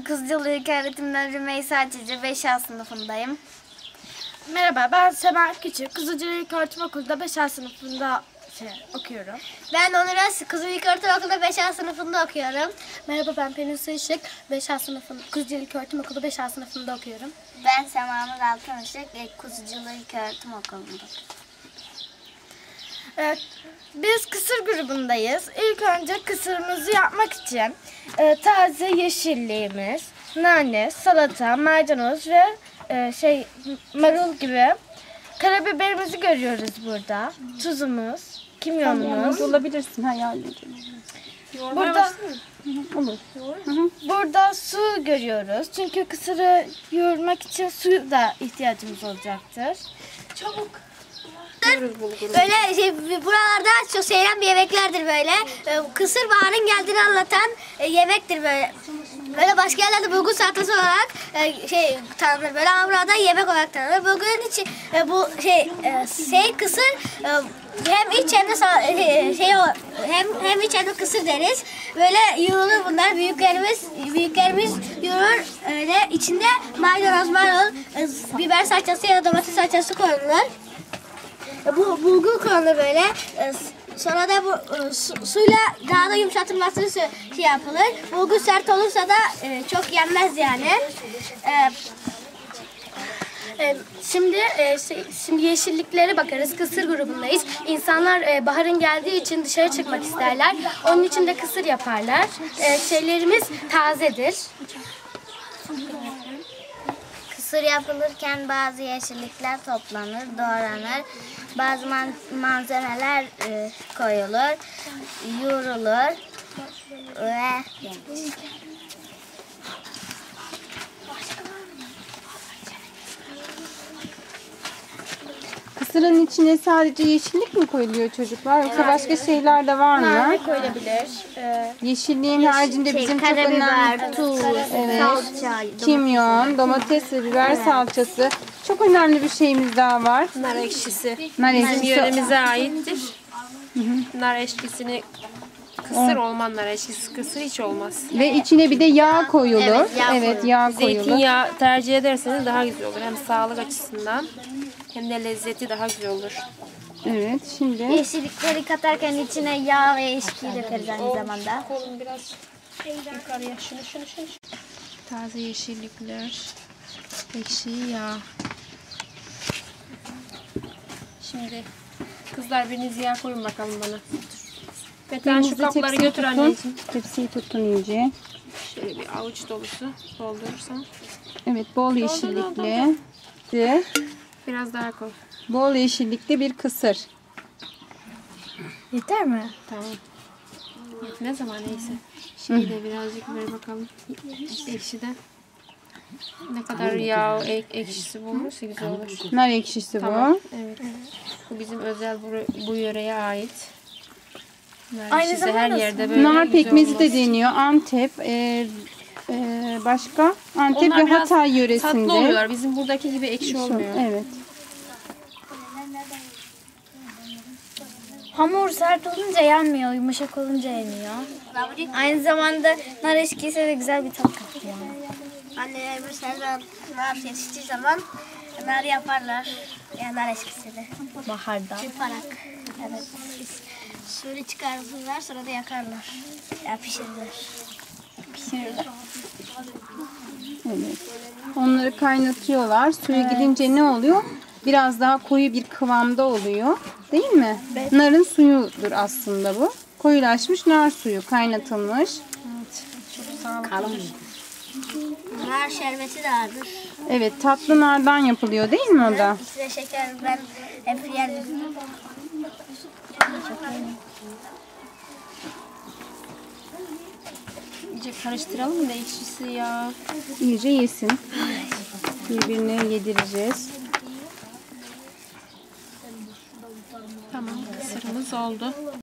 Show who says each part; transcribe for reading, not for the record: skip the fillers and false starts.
Speaker 1: Ben Kızılcalı İlköğretim'den Rümeysa Cici, 5A sınıfındayım.
Speaker 2: Merhaba, ben Sema Küçük. Kızılcalı İlköğretim Okulu'da 5A sınıfında okuyorum.
Speaker 1: Ben Onur Öz, Kızılcalı İlköğretim Okulu'da 5A sınıfında okuyorum.
Speaker 2: Merhaba, ben Pelin Işık. 5A sınıfında, Kızılcalı İlköğretim Okulu 5A sınıfında okuyorum.
Speaker 1: Ben Sema Nur Altınışık, Kızılcalı İlköğretim Okulu'nda.
Speaker 2: Evet, biz kısır grubundayız. İlk önce kısırımızı yapmak için taze yeşilliğimiz, nane, salata, maydanoz ve marul gibi karabiberimizi görüyoruz burada. Tuzumuz, kimyonumuz.
Speaker 3: Olabilirsin hayalini.
Speaker 2: Burada
Speaker 3: Olur.
Speaker 2: burada su görüyoruz. Çünkü kısırı yoğurmak için su da ihtiyacımız olacaktır. Çabuk.
Speaker 1: Böyle buralarda çok sevilen bir yemeklerdir böyle. Kısır baharın geldiğini anlatan yemektir böyle. Böyle başka yerlerde bulgur salatası olarak tanınır böyle ama burada yemek olarak tanınır. Bugün için bu kısır hem iç hem de hem iç hem de kısır deriz. Böyle yoğurulur bunlar. Büyüklerimiz yoğurur. Öyle içinde maydanoz, marul, biber salçası ya da domates salçası konulur. Bu bulgur konulur böyle. Sonra da bu suyla daha da yumuşatılmasını yapılır. Bulgur sert olursa da çok yenmez yani.
Speaker 2: Şimdi yeşilliklere bakarız. Kısır grubundayız. İnsanlar baharın geldiği için dışarı çıkmak isterler. Onun için de kısır yaparlar. Şeylerimiz tazedir.
Speaker 1: Kısır yapılırken bazı yeşillikler toplanır, doğranır. Bazı malzemeler koyulur, yoğrulur ve yenir.
Speaker 3: Kısırın içine sadece yeşillik mi koyuluyor çocuklar? Yoksa başka şeyler de var mı?
Speaker 2: Nane koyulabilir.
Speaker 3: Yeşilliğin haricinde bizim çok önemli
Speaker 1: Karabiber, tuz, salça,
Speaker 3: kimyon, domates ve biber salçası. Çok önemli bir şeyimiz daha var.
Speaker 4: Nar ekşisi.
Speaker 3: Nar
Speaker 4: Bizim
Speaker 3: ekşisi.
Speaker 4: yöremize aittir. Nar ekşisini kısır olmaz, nar ekşisi kısır hiç olmaz.
Speaker 3: Ve içine bir de yağ koyulur.
Speaker 1: Evet,
Speaker 3: yağ koyulur.
Speaker 4: Zeytinyağı tercih ederseniz daha güzel olur. Hem sağlık açısından hem de lezzeti daha güzel olur.
Speaker 3: Evet, şimdi
Speaker 1: yeşillikleri katarken içine yağ ve eşkiyi dökeriz aynı zamanda.
Speaker 4: Kolum biraz yukarıya. Şunu. Taze yeşillikler, ekşi yağ. Şimdi kızlar biriniz yağ koyun bakalım bana. Metan şu kapları götür anneciğim.
Speaker 3: Tepsiyi tutun iyice.
Speaker 4: Şöyle bir avuç dolusu doldurursan.
Speaker 3: Evet, bol yeşillikli.
Speaker 4: Biraz daha koy.
Speaker 3: Bol yeşillikli bir kısır.
Speaker 2: Yeter mi?
Speaker 4: Tamam. Ne zaman neyse. Şimdi de birazcık ver bakalım. Ekşiden. Ne kadar yağ, ekşisi bulursa güzel olur.
Speaker 3: Nar ekşisi
Speaker 4: Tamam.
Speaker 3: bu.
Speaker 4: Evet. Bu bizim özel bu yöreye ait. Nar
Speaker 2: Aynı
Speaker 4: ekşisi her
Speaker 2: zamanda
Speaker 4: yerde böyle
Speaker 3: Nar
Speaker 4: güzel
Speaker 3: pekmezi
Speaker 4: olmaz.
Speaker 3: de deniyor. Antep, başka? Antep
Speaker 4: Onlar
Speaker 3: ve
Speaker 4: biraz
Speaker 3: Hatay yöresinde.
Speaker 4: tatlı oluyorlar. Bizim buradaki gibi ekşi olmuyor.
Speaker 3: Evet.
Speaker 2: Hamur sert olunca yenmiyor, yumuşak olunca yeniyor. Aynı zamanda nar eşkisi de güzel bir tat katıyor.
Speaker 1: Annelerimiz her zaman nar yetiştiği zaman nar yaparlar. Yani nar eşkisini.
Speaker 2: Baharda.
Speaker 1: Çırparak. Evet. Suyunu çıkarırlar sonra da yakarlar. Ya pişirirler.
Speaker 3: Evet. Onları kaynatıyorlar. Suyu gidince ne oluyor? Biraz daha koyu bir kıvamda oluyor. Değil mi? Evet. Narın suyudur aslında bu. Koyulaşmış nar suyu kaynatılmış.
Speaker 1: Kalın. Nar şerbeti de vardır.
Speaker 3: Evet, tatlı nardan yapılıyor değil mi o da?
Speaker 1: İçine şeker ben hep yerim.
Speaker 4: İyice karıştıralım da ekşisi ya.
Speaker 3: İyice yesin. Birbirine yedireceğiz.
Speaker 4: Tamam, kısırımız oldu.